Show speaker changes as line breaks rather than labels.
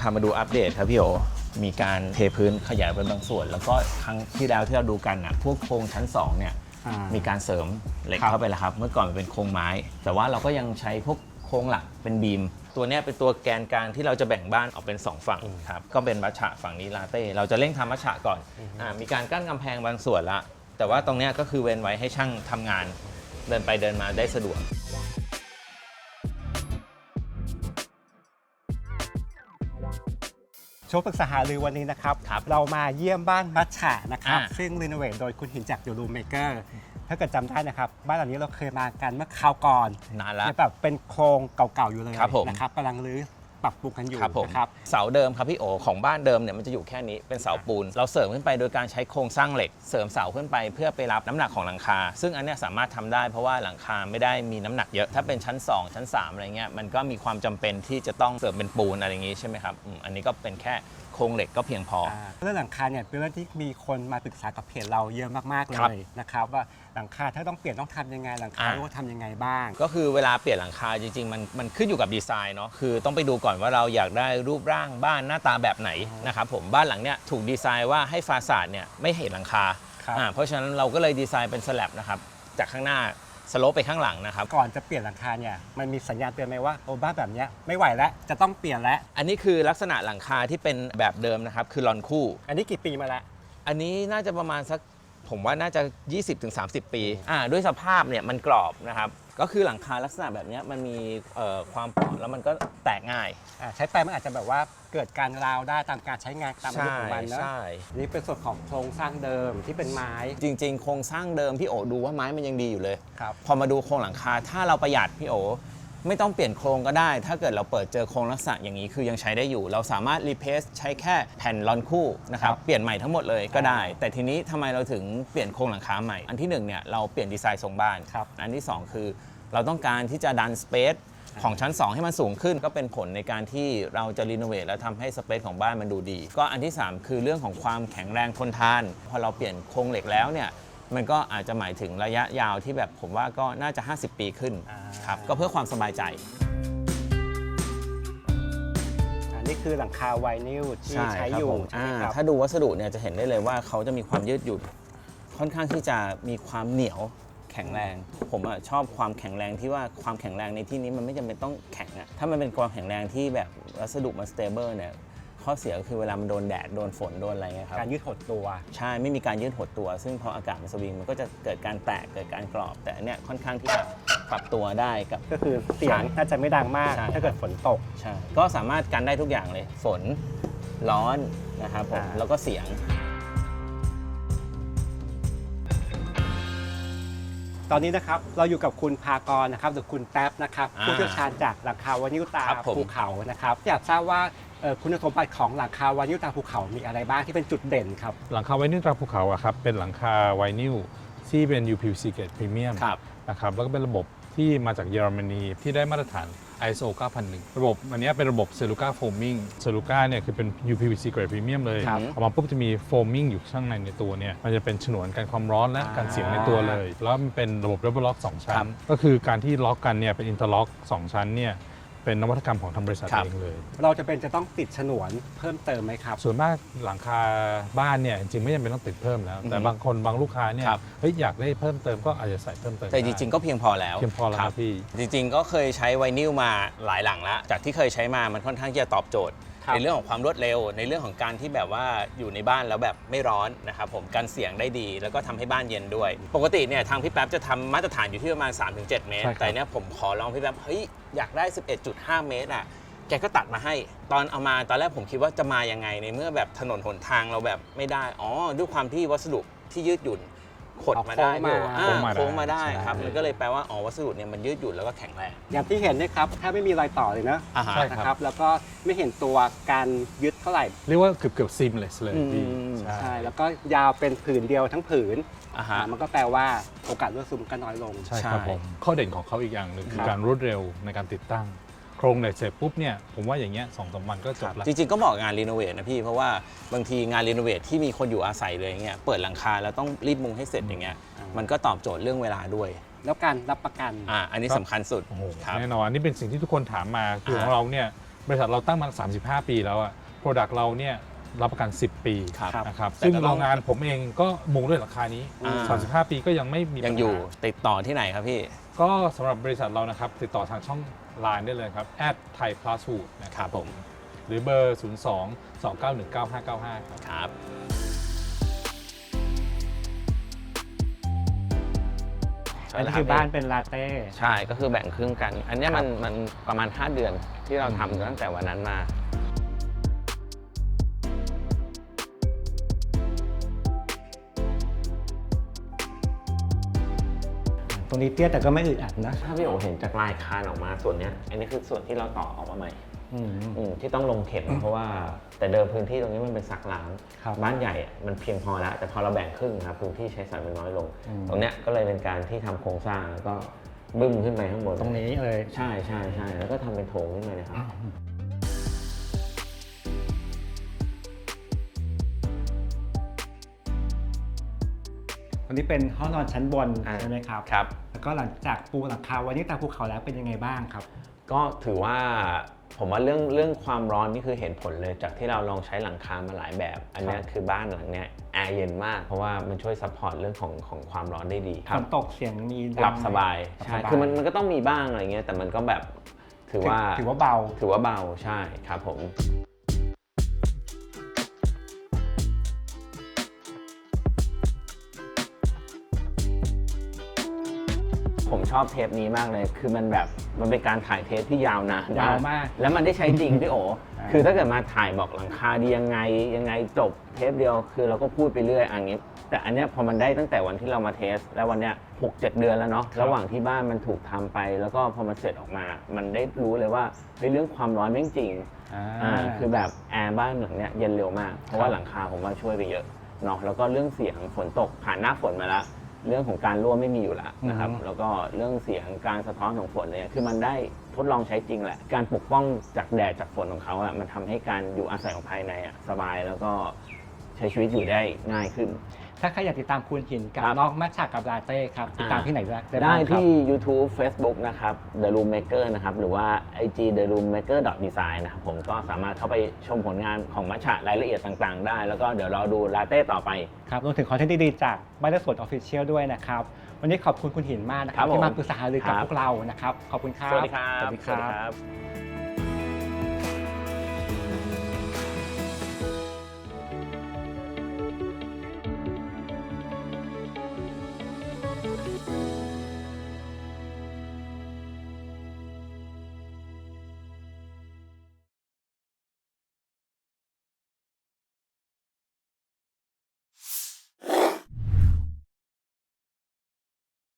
พามาดูอัปเดตครับพี่โอมีการเทพื้นขยายไปบางส่วนแล้วก็ครั้งที่แล้วที่เราดูกันพวกโครงชั้น2เนี่ยมีการเสริมเหล็กเข้าไปแล้วครับเมื่อก่อนมันเป็นโครงไม้แต่ว่าเราก็ยังใช้พวกโครงหลักเป็นบีมตัวนี้เป็นตัวแกนกลางที่เราจะแบ่งบ้านออกเป็น2ฝั่งครับก็เป็นมัชฉะฝั่งนี้ลาเต้เราจะเร่งทำมัชฉะก่อนมีการกั้นกำแพงบางส่วนละแต่ว่าตรงนี้ก็คือเว้นไว้ให้ช่างทำงานเดินไปเดินมาได้สะดวก
ช่วงปรึกษาหารือวันนี้นะครับเรามาเยี่ยมบ้านมัชฉะนะครับซึ่งรีโนเวทโดยคุณหินจากยูรูเมเกอร์ถ้าเกิดจำได้นะครับบ้านหลังนี้เราเคยมากันเมื่อคราวก่อน
นานแล้ว
แบบเป็นโครงเก่าๆอยู่เลยนะครับกำลังรื้อปรับปรุงกันอยู่นะครับ
เสาเดิมครับพี่โอของบ้านเดิมเนี่ยมันจะอยู่แค่นี้เป็นเสาปูนเราเสริมขึ้นไปโดยการใช้โครงสร้างเหล็กเสริมเสาขึ้นไปเพื่อไปรับน้ำหนักของหลังคาซึ่งอันนี้สามารถทำได้เพราะว่าหลังคาไม่ได้มีน้ำหนักเยอะถ้าเป็นชั้น2ชั้น3อะไรเงี้ยมันก็มีความจำเป็นที่จะต้องเสริมเป็นปูนอะไรอย่างงี้ใช่ไหมครับอันนี้ก็เป็นแค่โครงเหล็กก็เพียงพอ
เรื่องหลังคาเนี่ยเป็นเรื่องที่มีคนมาปรึกษากับเพจเราเยอะมากๆเลยนะครับว่าหลังคาถ้าต้องเปลี่ยนต้องทำยังไงหลังคาต้องทำยังไงบ้าง
ก็คือเวลาเปลี่ยนหลังคาจริงๆมันขึ้นอยู่กับดีไซน์เนาะคือต้องไปดูก่อนว่าเราอยากได้รูปร่างบ้านหน้าตาแบบไหนนะครับผมบ้านหลังเนี้ยถูกดีไซน์ว่าให้ฟาซาดเนี่ยไม่เห็นหลังคาเพราะฉะนั้นเราก็เลยดีไซน์เป็นสแลบนะครับจากข้างหน้าสโลปไปข้างหลังนะครับ
ก่อนจะเปลี่ยนหลังคาเนี่ยมันมีสัญญาณเตือนไหมว่าโอ้บ้านแบบนี้ไม่ไหวแล้วจะต้องเปลี่ยนแล้ว
อันนี้คือลักษณะหลังคาที่เป็นแบบเดิมนะครับคือลอนคู่
อันนี้กี่ปีมาแล้ว
อันนี้น่าจะประมาณสักผมว่าน่าจะ 20-30 ปีด้วยสภาพเนี่ยมันกรอบนะครับก็คือหลังคาลักษณะแบบนี้มันมีความเปราะแล้วมันก็แตกง่าย
ใช้ไปมันอาจจะแบบว่าเกิดการราวได้ตามการใช้งานตามอายุของมันนะนี่เป็นส่วนของโครงสร้างเดิมที่เป็นไม้
จริงๆโครงสร้างเดิมพี่โอดูว่าไม้มันยังดีอยู่เลยพอมาดูโครงหลังคาถ้าเราประหยัดพี่โอไม่ต้องเปลี่ยนโครงก็ได้ถ้าเกิดเราเปิดเจอโครงลักษณะอย่างนี้คือยังใช้ได้อยู่เราสามารถรีเพลซใช้แค่แผ่นลอนคู่นะครับเปลี่ยนใหม่ทั้งหมดเลยก็ได้แต่ทีนี้ทำไมเราถึงเปลี่ยนโครงหลังคาใหม่อันที่1เนี่ยเราเปลี่ยนดีไซน์ทรงบ้านอันที่2คือเราต้องการที่จะดันสเปซของชั้น2ให้มันสูงขึ้นก็เป็นผลในการที่เราจะรีโนเวทแล้วทำให้สเปซของบ้านมันดูดีก็อันที่3คือเรื่องของความแข็งแรงทนทานพอเราเปลี่ยนโครงเหล็กแล้วเนี่ยมันก็อาจจะหมายถึงระยะยาวที่แบบผมว่าก็น่าจะ50 ปีขึ้นครับก็เพื่อความสบายใจ
นี่คือหลังคาไวนิลที่ใช้อยู่
ถ้าดูวัสดุเนี่ยจะเห็นได้เลยว่าเขาจะมีความยืดหยุ่นค่อนข้างที่จะมีความเหนียวแข็งแรงผมชอบความแข็งแรงที่ว่าความแข็งแรงในที่นี้มันไม่จำเป็นต้องแข็งถ้ามันเป็นความแข็งแรงที่แบบวัสดุมันสเตเบิลเนี่ยข้อเสียก็คือเวลามันโดนแดดโดนฝนโดนอะไรเงี้ยครับ
การยืดหดตัว
ใช่ไม่มีการยืดหดตัวซึ่งพออากาศมันสวิงมันก็จะเกิดการแตกเกิดการกรอบแต่เนี่ยค่อนข้างที่จะปรับตัวได้กับ
ก็คือเสียงน่าจะไม่ดังมากถ้าเกิดฝนตก
ใช่ก็สามารถกันได้ทุกอย่างเลยฝนร้อนนะครับผมแล้วก็เสียง
ตอนนี้นะครับเราอยู่กับคุณภากรนะครับหรือคุณแท็บนะครับผู้เชี่ยวชาญจากหลังคาวานิลตาภูเขานะครับอยากทราบว่าคุณสมบัติของหลังคาวานิลตาภูเขามีอะไรบ้างที่เป็นจุดเด่นครับ
หลังคาไวนิลตาภูเขาครับเป็นหลังคาไวนิลที่เป็น UPVC Grade Premium นะครับแล้วก็เป็นระบบที่มาจากเยอรมนีที่ได้มาตรฐาน ISO 9001 ระบบอันนี้เป็นระบบ Celuca Foaming Celuca เนี่ยคือเป็น UPVC Grade Premium เลยออกมาปุ๊บจะมี Foaming อยู่ข้างในตัวเนี่ยมันจะเป็นฉนวนกันความร้อนและกันเสียงในตัวเลยแล้วมันเป็นระบบ Double Lock 2 ชั้นก็คือการที่ล็อกกันเนี่ยเป็น Interlock 2 ชั้นเนี่ยเป็นนวัตกรรมของทางบริษัทเองเลย
เราจะต้องติดฉนวนเพิ่มเติมไหมครับ
ส่วนมากหลังคาบ้านเนี่ยจริงๆไม่จำเป็นต้องติดเพิ่มแล้วแต่บางคนบางลูกค้าเนี่ยอยากได้เพิ่มเติมก็อาจจะใส่เพิ่มเติม
แต่จริงๆก็เพียงพอแล้ว
ครับพี่
จริงๆก็เคยใช้ไวนิลมาหลายหลังแล้วจากที่เคยใช้มามันค่อนข้างที่จะตอบโจทย์ในเรื่องของความรวดเร็วในเรื่องของการที่แบบว่าอยู่ในบ้านแล้วแบบไม่ร้อนนะครับผมกันเสียงได้ดีแล้วก็ทำให้บ้านเย็นด้วยปกติเนี่ยทางพี่แป๊บจะทำมาตรฐานอยู่ที่ประมาณ 3-7 เมตรแต่เนี่ยผมขอลองพี่แป๊บเฮ้ยอยากได้ 11.5 เมตรแกก็ตัดมาให้ตอนเอามาตอนแรกผมคิดว่าจะมายังไงในเมื่อแบบถนนหนทางเราแบบไม่ได้ด้วยความที่วัสดุที่ยืดหยุ่นขดมาได้โค้งมาได้ครับมันก็เลยแปลว่าวัสดุเนี่ยมันยืดหยุ่นแล้วก็แข็งแรง
อย่างที่เห็นนะครับถ้าไม่มีรอยต่อเลยนะครับแล้วก็ไม่เห็นตัวการยึดเท่าไหร่
เรียกว่าเกือบ seamless เลย
ใช่แล้วก็ยาวเป็นผืนเดียวทั้งผืนมันก็แปลว่าโอกาสรั่วซึมก็น้อยลง
ใช่ครับผมข้อเด่นของเขาอีกอย่างหนึ่งคือการรวดเร็วในการติดตั้งโครงเหล็กเสร็จปุ๊บเนี่ยผมว่าอย่างเงี้ย2-3 วันก็จบแล้ว
จริงๆก็เหมาะงานรีโนเวทนะพี่เพราะว่าบางทีงานรีโนเวทที่มีคนอยู่อาศัยเลยเงี้ยเปิดหลังคาแล้วต้องรีบมุงให้เสร็จอย่างเงี้ยมันก็ตอบโจทย์เรื่องเวลาด้วย
แล้วการรับประกัน
อันนี้สำคัญสุด
แน่นอนนี่เป็นสิ่งที่ทุกคนถามมาคือของเราเนี่ยบริษัทเราตั้งมา35 ปีแล้วอะโปรดักต์เราเนี่ยรับประกัน 10 ปี
ครับ
นะครับ
แต่
ซึ่ง
ก็ต้อง
โรงงานผมเองก็มุงด้วยราคานี้ 35 ปีก็ยังไม่มี
ยังอยู่ติดต่อที่ไหนครับพี่
ก็สำหรับบริษัทเรานะครับติดต่อทางช่อง Line ได้เลยครับ@thaiplastfood นะครับผมหรือเบอร์ 02-291-9595 ครับ
ครับ
อันนี้คือบ้านเป็นลาเต้
ใช่ก็คือแบ่งครึ่งกัน อันเนี้ยมันประมาณ 5 เดือนที่เราทำตั้งแต่วันนั้นมา
ตรงนี้เตี้ยแต่ก็ไม่อึดอัดนะ
ถ้าพี่โอเห็นจากลายคานออกมาส่วนเนี้ยอันนี้คือส่วนที่เราต่อออกมาใหม่ที่ต้องลงเข็มเพราะว่าแต่เดิมพื้นที่ตรงนี้มันเป็นซักล้าง
ครับ
บ้านใหญ่อะมันเพียงพอแล้ว แต่พอเราแบ่งครึ่งครับพื้นที่ใช้สอยมันน้อยลง ตรงเนี้ยก็เลยเป็นการที่ทำโครงสร้างแล้วก็บึ้มขึ้นไปข้างบน
ตรงนี้เลย
ใช่ใช่ใช่แล้วก็ทำเป็นโถงขึ้นมาเลยครับ
ตรงนี้เป็นห้องนอนชั้นบน
อ่า
ใช่ไหมครับ
ครับ
แล้วก็หลังจากปูหลังคาวันนี้ตาภูเขาแล้วเป็นยังไงบ้างครับ
ก็ถือว่าผมว่าเรื่องความร้อนนี่คือเห็นผลเลยจากที่เราลองใช้หลังคามาหลายแบบ อันเนี้ยคือบ้านหลังเนี้ยแอร์เย็นมาก เพราะว่ามันช่วยซัพพอร์ตเรื่องของความร้อนได้ดีค
ฝ
รับ
นตกเสียงมีดัง
หลับสบาย
หลับ
ใช่
สบาย
คือมันก็ต้องมีบ้างอะไรเงี้ยแต่มันก็แบบถือว่า
ถือว่าเบา
ถือว่าเบาใช่ครับผม ผมชอบเทปนี้มากเลย คือมันแบบมันเป็นการถ่ายเทปที่ยาวนาน
ยาวมาก
แล้วมันได้ใช้จริงพี่โอ คือถ้าเกิดมาถ่ายบอกหลังคาดียังไงจบเทปเดียว คือเราก็พูดไปเรื่อยอย่างนี้ แต่อันเนี้ยพอมันได้ตั้งแต่วันที่เรามาเทส แล้ววันเนี้ย6-7 เดือนแล้วเนาะ ระหว่างที่บ้านมันถูกทำไป แล้วก็พอมันเสร็จออกมา มันได้รู้เลยว่าเฮ้ยเรื่องความร้อนแม่งจริง คือแบบแอร์บ้านหลังเนี้ยเย็นเร็วมาก เพราะว่าหลังคาผมว่าช่วยไปเยอะเนาะ แล้วก็เรื่องเสียงฝนตกผ่านหน้าฝนมาแล้ว เรื่องของการรั่วไม่มีอยู่แล้วนะครับ แล้วก็เรื่องเสียงการสะท้อนของฝนเนี่ยคือมันได้ทดลองใช้จริงแหละ การปกป้องจากแดดจากฝนของเขาอะมันทำให้การอยู่อาศัยของภายในอะสบายแล้วก็ใช้ชีวิตอยู่ได้ง่ายขึ้น
ถ้าใครอยากติดตามคุณหินกับ
ครับ
น้องมัชชากับลาเต้ครับติดตามที่ไหนได้
ได้
บ้างครับ
ที่ YouTube Facebook นะครับ The Room Maker นะครับหรือว่า IG The Room Maker Design นะครับผมก็สามารถเข้าไปชมผลงานของมัชชารายละเอียดต่างๆ ได้ แล้วก็เดี๋ยวรอดูลาเต้ต่อไป
ครับรวมถึงคอนเทนต์ดีๆจากบ้านและสวนออฟฟิเชียลด้วยนะครับ วันนี้ขอบคุณคุณหินมากนะค
ครั
รับบ
ผม
ที่มาปรึกษาหารือกับ
ครับ
พวกเรานะครับ ขอบคุณครับ
สวัสดีครับ
สวัสดีครับ
บ